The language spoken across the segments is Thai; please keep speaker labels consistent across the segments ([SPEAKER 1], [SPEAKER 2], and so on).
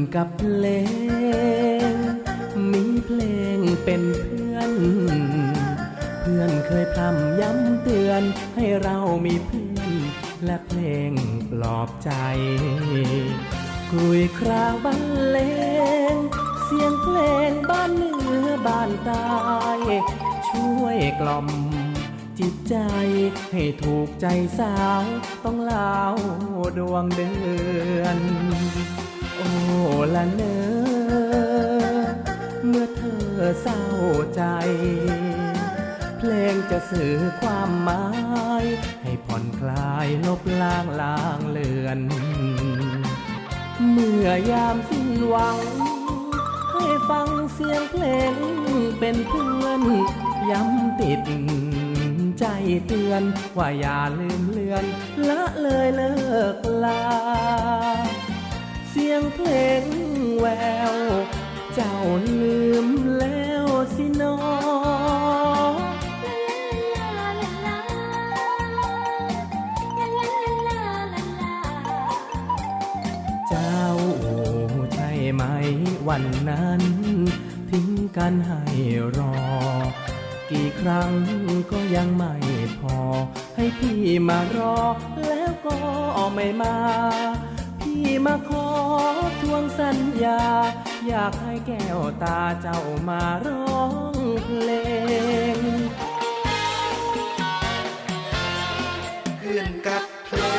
[SPEAKER 1] กับเพลงมีเพลงเป็นเพื่อน เพื่อนเคยพร่ำย้ำเตือนให้เรามีเพื่อนและเพลงปลอบใจกลุยครางบรรเลงเสียงเพลงบ้านเหนือบ้านใต้ช่วยกล่อมจิตใจให้ถูกใจสาวต้องเล่าดวงเดือนโอ้ละเนอเมื่อเธอเศร้าใจเพลงจะสื่อความหมายให้ผ่อนคลายลบล้างลางเลือนเมื่อยามสิ้นหวังให้ฟังเสียงเพลงเป็นเพื่อนย้ำติดใจเตือนว่าอย่าลืมเลือนละเลยเลิกลาเสียงเพลงแววเจ้าลืมแล้วสินอเจ้าใช่ไหมวันนั้นทิ้งกันให้รอกี่ครั้งก็ยังไม่พอให้พี่มารอแล้วก็ไม่มาพี่มาขอทวงสัญญาอยากให้แก้วตาเจ้ามาร้องเพลง
[SPEAKER 2] เพื่อนกับเพล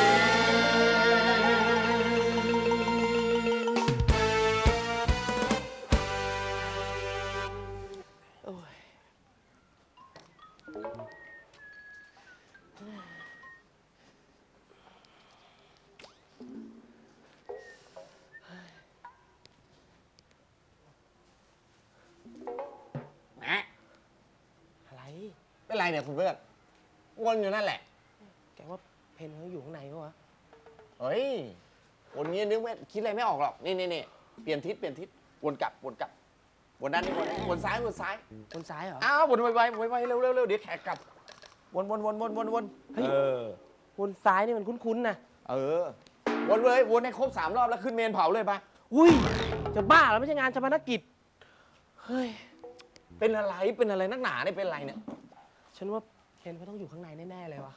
[SPEAKER 3] อะไร
[SPEAKER 2] เป็นไรเนี่ยคุณเพื่อนวนอยู่นั่นแหละ
[SPEAKER 3] แกว่าเพนเขาอยู่ข้างในปะวะ
[SPEAKER 2] เฮ้ยวนนี้นึกไม่คิดอะไรไม่ออกหรอกนี่เปลี่ยนทิศวนกลับวนด้านนี้วนซ้าย
[SPEAKER 3] วนซ้ายเหรอ
[SPEAKER 2] อ้าววนไวเร็วเดี๋ยวแขกกลับวน
[SPEAKER 3] เฮ้ยวนซ้ายนี่มันคุ้นๆนะ
[SPEAKER 2] วนเลยวนให้ครบ3 รอบแล้วขึ้นเมนเผาเลยปะ
[SPEAKER 3] อุ้ยจะบ้าแล้วไม่ใช่งานชาปนกิจเฮ้ย
[SPEAKER 2] เป็นอะไรนักหนาเนี่ยเป็นอะไรเนี่ย
[SPEAKER 3] ฉันว่าเพนเขาต้องอยู่ข้างในแน่ๆเลยวะ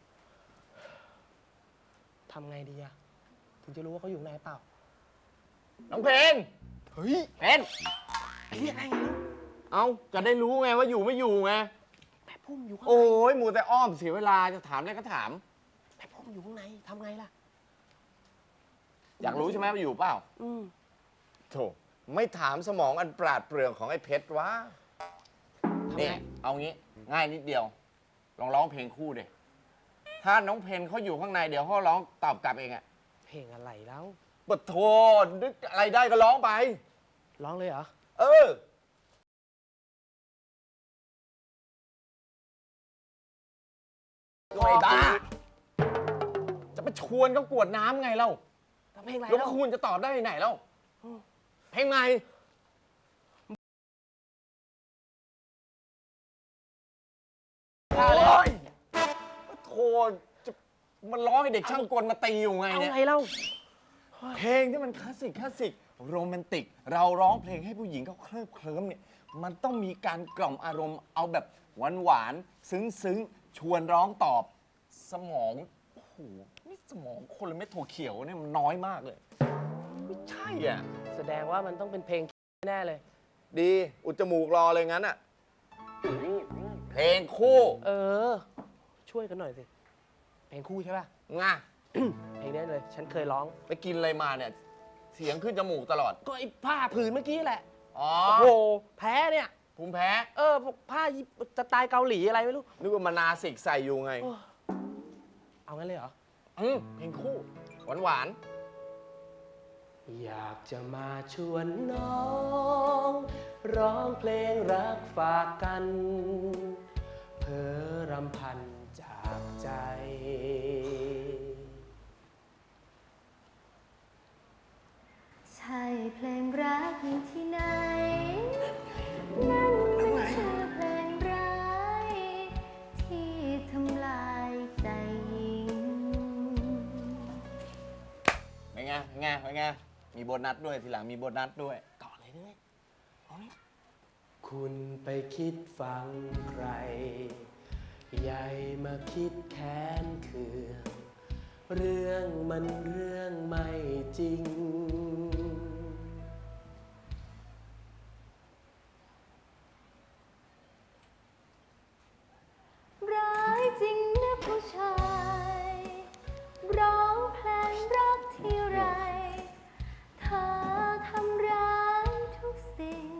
[SPEAKER 3] ทำไงดีอะถึงจะรู้ว่าเขาอยู่ในเปล่า
[SPEAKER 2] น้องเพนเฮ้ยเพน
[SPEAKER 3] เรียกอะไรไง
[SPEAKER 2] เอาจะได้รู้ไงว่าอยู่ไม่อยู่ไง
[SPEAKER 3] แม่พุ่มอยู่ข้างใน
[SPEAKER 2] โอ้ยหมูแต่อ้อมเสียเวลาจะถามอะไรก็ถาม
[SPEAKER 3] แม่พุ่มอยู่ข้างในทำไงล่ะ
[SPEAKER 2] อยากรู้ใช่ไหมว่าอยู่เปล่าโธ่ไม่ถามสมองอันปราดเปรื่องของไอ้เพชรวะนี่เอางี้ง่ายนิดเดียวลองร้องเพลงคู่ดิถ้าน้องเพนเขาอยู่ข้างในเดี๋ยวเขาร้องตอบกลับเองอะ
[SPEAKER 3] เพลงอะไรแล้ว
[SPEAKER 2] ปะโธ่นึกอะไรได้ก็ร้องไป
[SPEAKER 3] ร้องเลยเหรอ
[SPEAKER 2] ไอ้บ้าจะไปชวนเขากวดน้ำไงเล่า
[SPEAKER 3] เพลงอะไร
[SPEAKER 2] แล้วคุณจะตอบได้ไหนเล่าเพลงใหม่โอ้ยโธ่จะมันร้องให้เด็กช่างกลมาตีอยู่ไงเนี่ย
[SPEAKER 3] เอาไงเล่า
[SPEAKER 2] เพลงที่มันคลาสสิกโรแมนติกเราร้องเพลงให้ผู้หญิงเขาเคลิ้มเนี่ยมันต้องมีการกล่อมอารมณ์เอาแบบหวานซึ้งชวนร้องตอบสมองโอ้โหนี่สมองคนละเม็ดถั่วเขียวเนี่ยมันน้อยมากเลยไม่ใช่อ่ะ
[SPEAKER 3] แสดงว่ามันต้องเป็นเพลงแน่เลย
[SPEAKER 2] ดีอุดจมูกรอเลยงั้นอ่ะเพลงคู่
[SPEAKER 3] ช่วยกันหน่อยสิเพลงคู่ใช่ป่ะ
[SPEAKER 2] ง่ะ
[SPEAKER 3] เพลงนี้เลยฉันเคยร้อง
[SPEAKER 2] ไปกินอะไรมาเนี่ยเสียงขึ้นจมูกตลอด
[SPEAKER 3] ก็ไอ้ผ้าผืนเมื่อกี้แหละ
[SPEAKER 2] โอ้
[SPEAKER 3] โหแพ้เนี่ย
[SPEAKER 2] ภูมิแพ้
[SPEAKER 3] พวกผ้าสไตล์เกาหลีอะไรไม่รู้
[SPEAKER 2] นึกว่ามานาสิกใส่อยู่ไง
[SPEAKER 3] เอางั้นเลยเหรอ
[SPEAKER 2] เพลงคู่หวาน
[SPEAKER 3] อยากจะมาชวนน้องร้องเพลงรักฝากกันเพ้อรำพันจากใจ
[SPEAKER 4] ใช่เพลงรักที่ไหนนั่นคือเพลงร้ายที่ทำลายใจหญิง
[SPEAKER 2] เป็นไงมีโบนัสด้วยทีหลังมีโบนัสด้วยต่อเลยด้วย
[SPEAKER 3] คุณไปคิดฟังใคร ใหญ่มาคิดแค้นเคืองเรื่องมันเรื่องไม่จริง
[SPEAKER 4] ร้ายจริงนะผู้ชาย ร้องเพลงรักที่ไรเธอทำร้ายทุกสิ่ง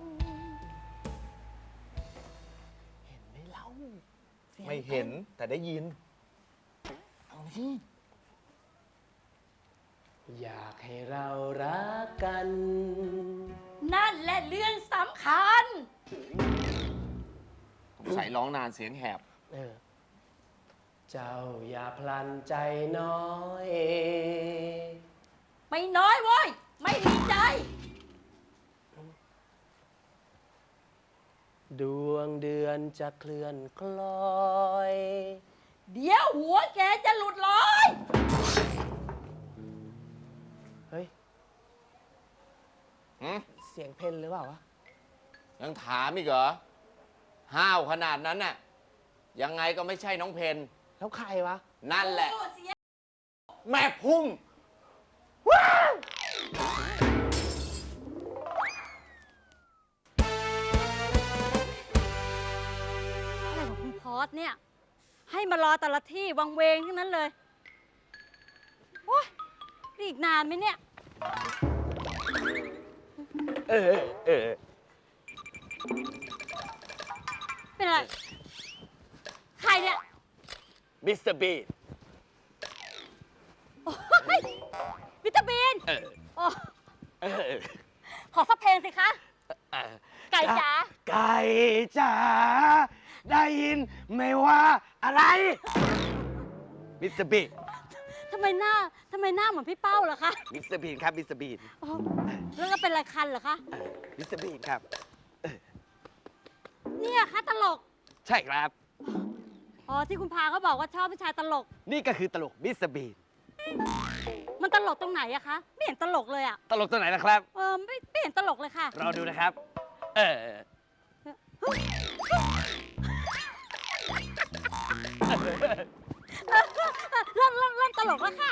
[SPEAKER 2] ไม่เห็นแต่ได้ยิน เอาที่
[SPEAKER 3] อยากให้เรารักกัน
[SPEAKER 5] นั่นแหละเรื่องสำคัญ
[SPEAKER 2] ผมใส่ร้องนานเสียงแหบ
[SPEAKER 3] เจ้าอย่าพลันใจน้อย
[SPEAKER 5] ไม่น้อยเว้ย ไม่ดีใจ
[SPEAKER 3] ดวงเดือนจะเคลื่อนคล้อย
[SPEAKER 5] เดี๋ยวหัวแกจะหลุดลอย
[SPEAKER 3] เฮ้ย
[SPEAKER 2] หืม
[SPEAKER 3] เสียงเพลหรือเปล่าวะ
[SPEAKER 2] ยังถามอีกเหรอ ห้าวขนาดนั้นน่ะ ยังไงก็ไม่ใช่น้องเพน
[SPEAKER 3] แล้วใครวะ
[SPEAKER 2] นั่นแหละ แม่พุ่ง
[SPEAKER 5] อะไรของคุณพอสเนี่ย ให้มารอแต่ละที่วังเวงทั้งนั้นเลย โอ๊ยนี่อีกนานไหมเนี่ย เป็นอะไร ใครเนี่ย
[SPEAKER 2] มิสเตอร์บีน
[SPEAKER 5] โอ๊ยวิตามินโอ้ขอสักเพลงสิคะ ไก่จ๋า
[SPEAKER 3] ไก่จ๋าได้ยินไม่ว่าอะไร
[SPEAKER 2] มิสเตอร์บีน
[SPEAKER 5] ทำไมหน้าเหมือนพี่เป้าเหรอคะ
[SPEAKER 2] มิสเตอร์บีนครับ มิสเตอร์บีน
[SPEAKER 5] โอ้แล้วก็เป็นอะไรคันเหรอคะ
[SPEAKER 2] มิสเตอร์บีนครับ
[SPEAKER 5] เนี่ยคะตลก
[SPEAKER 2] ใช่ครับ
[SPEAKER 5] อ๋อที่คุณพาเขาบอกว่าชอบผู้ชายตลก
[SPEAKER 2] นี่ก็คือตลกมิสเตอร์บีน
[SPEAKER 5] มันตลกตรงไหนอะคะ ไม่เห็นตลกเลยอะ
[SPEAKER 2] ตลกตัวไหนนะครับ
[SPEAKER 5] ไม่เห็นตลกเลยค่ะ
[SPEAKER 2] เราดูนะครับ
[SPEAKER 5] เริ่มตลกแล้วค่ะ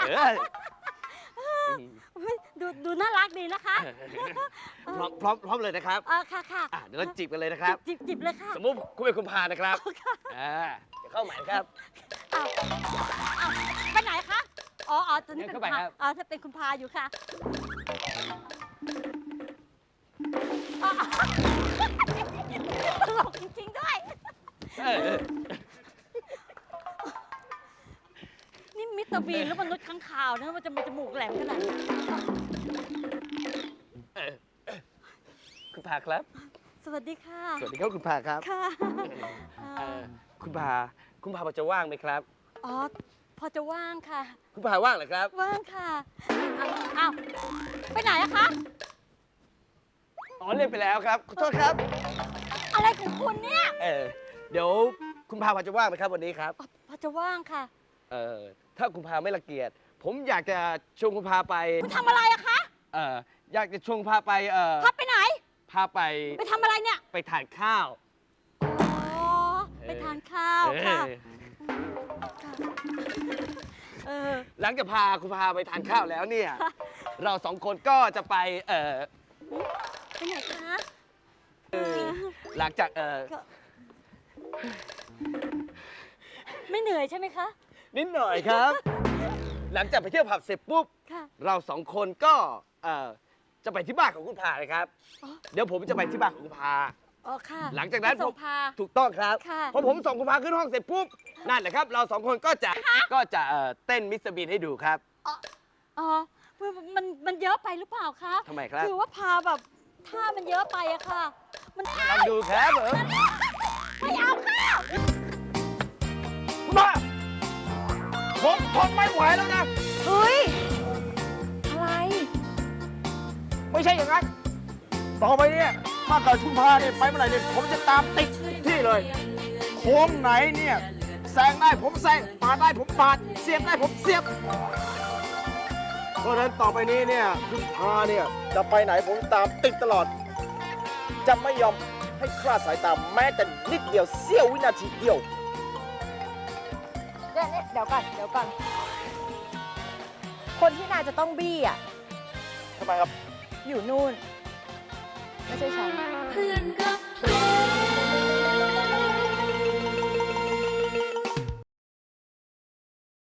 [SPEAKER 5] ดูน่ารักดีนะคะ
[SPEAKER 2] พร้อมเลยนะครับ
[SPEAKER 5] ค่ะ
[SPEAKER 2] เดี๋ยวเราจีบกันเลยนะครับ
[SPEAKER 5] จิบเลยค่ะ
[SPEAKER 2] สมมุติคุณเป็นคุณพานะครับ จะเข้าหมายครับ
[SPEAKER 5] อ้าวไปไหนคะ อ๋อตอนนี้เป็น
[SPEAKER 2] เข้า
[SPEAKER 5] คุณ
[SPEAKER 2] ไป
[SPEAKER 5] พา
[SPEAKER 2] ครับ
[SPEAKER 5] ถ้าเป็นคุณพาอยู่ค่ะตลกจริงๆด้วย นี่มิสเตอร์บีนหรือมนุษย์ข้างคาวนะมันจะมีจมูกแหลมขนาดนี้
[SPEAKER 2] คุณพาครับ
[SPEAKER 5] สวัสดีค่ะ
[SPEAKER 2] สวัสดีครับคุณพาครับ
[SPEAKER 5] ค่ะ
[SPEAKER 2] คุณพาพอจะว่างไหมครับ
[SPEAKER 5] อ๋อ พอจะว่างค่ะ
[SPEAKER 2] คุณพาว่างเหรอครับ
[SPEAKER 5] ว่างค่ะ อ้าว ไปไหนอะคะ
[SPEAKER 2] อ๋อเล่นไปแล้วครับ ขอโทษครับ
[SPEAKER 5] อะไรของคุณเนี่ย
[SPEAKER 2] เดี๋ยวคุณพาพอจะว่างไหมครับวันนี้ครับ
[SPEAKER 5] อ๋อพอจะว่างค่ะ
[SPEAKER 2] ถ้าคุณพาไม่รังเกียจ ผมอยากจะชวนคุณพาไป
[SPEAKER 5] คุณทำอะไรอะคะ
[SPEAKER 2] อยากจะชวนคุณพาไป
[SPEAKER 5] พับไปไหน
[SPEAKER 2] พาไป
[SPEAKER 5] ไปทำอะไรเนี่ย
[SPEAKER 2] ไปทานข้าว
[SPEAKER 5] อ๋อ ไปทานข้าวค่ะ
[SPEAKER 2] หลังจากพาคุณพาไปทานข้าวแล้วเนี่ย เราสองคนก็จะไป
[SPEAKER 5] ไปไหนคะ
[SPEAKER 2] หลังจาก
[SPEAKER 5] ก็ไม่เหนื่อยใช่ไหมคะ
[SPEAKER 2] นิดหน่อยครับ หลังจากไปเที่ยวผับเสร็จปุ๊บ
[SPEAKER 5] ค่ะ
[SPEAKER 2] เราสองคนก็จะไปที่บ้านของคุณพาเลยครับ
[SPEAKER 5] อ๋อ
[SPEAKER 2] เดี๋ยวผมจะไปที่บ้านของคุณพา
[SPEAKER 5] อ๋อค่ะ
[SPEAKER 2] หลังจากนั้น
[SPEAKER 5] ไปส่งพา
[SPEAKER 2] ถูกต้องครับ
[SPEAKER 5] ค่ะ
[SPEAKER 2] พอผมส่งคุณพาขึ้นห้องเสร็จปุ๊บนั่นแหละครับเราสองคนก็จะเต้นมิสเตอร์บีนให้ดูครับ
[SPEAKER 5] อ๋อมันเยอะไปหรือเปล่าคะ
[SPEAKER 2] ทำไมครับ
[SPEAKER 5] คือว่าพาแบบท่ามันเยอะไปอะค่ะ มัน
[SPEAKER 2] ลองดูครับผม
[SPEAKER 5] ไม่เอาค่ะ
[SPEAKER 2] คุณพาผมทนไม่ไหวแล้วนะ
[SPEAKER 5] เฮ้ย อะไร
[SPEAKER 2] ไม่ใช่อย่างนั้น ต่อไปเนี่ยถ้าเกิดคุณพาเนี่ยไปเมื่อไหร่เนี่ยผมจะตามติดที่เลย โค้งไหนเนี่ยแซงได้ผมแซงปาดได้ผมปาด เสียบได้ผมเสียบ
[SPEAKER 6] เพราะฉะนั้นต่อไปนี้เนี่ยคุณพาเนี่ยจะไปไหนผมตามติดตลอด จะไม่ยอมให้คลาดสายตาแม้แต่นิดเดียวเสี้ยววินาทีเดียว
[SPEAKER 7] เนี่ยเดี๋ยวก่อน คนที่นายจะต้องบี้อ่ะ
[SPEAKER 6] ทำไมครับ
[SPEAKER 7] อยู่นู่น ไม่ใช่ฉัน
[SPEAKER 4] เพื่อนกับ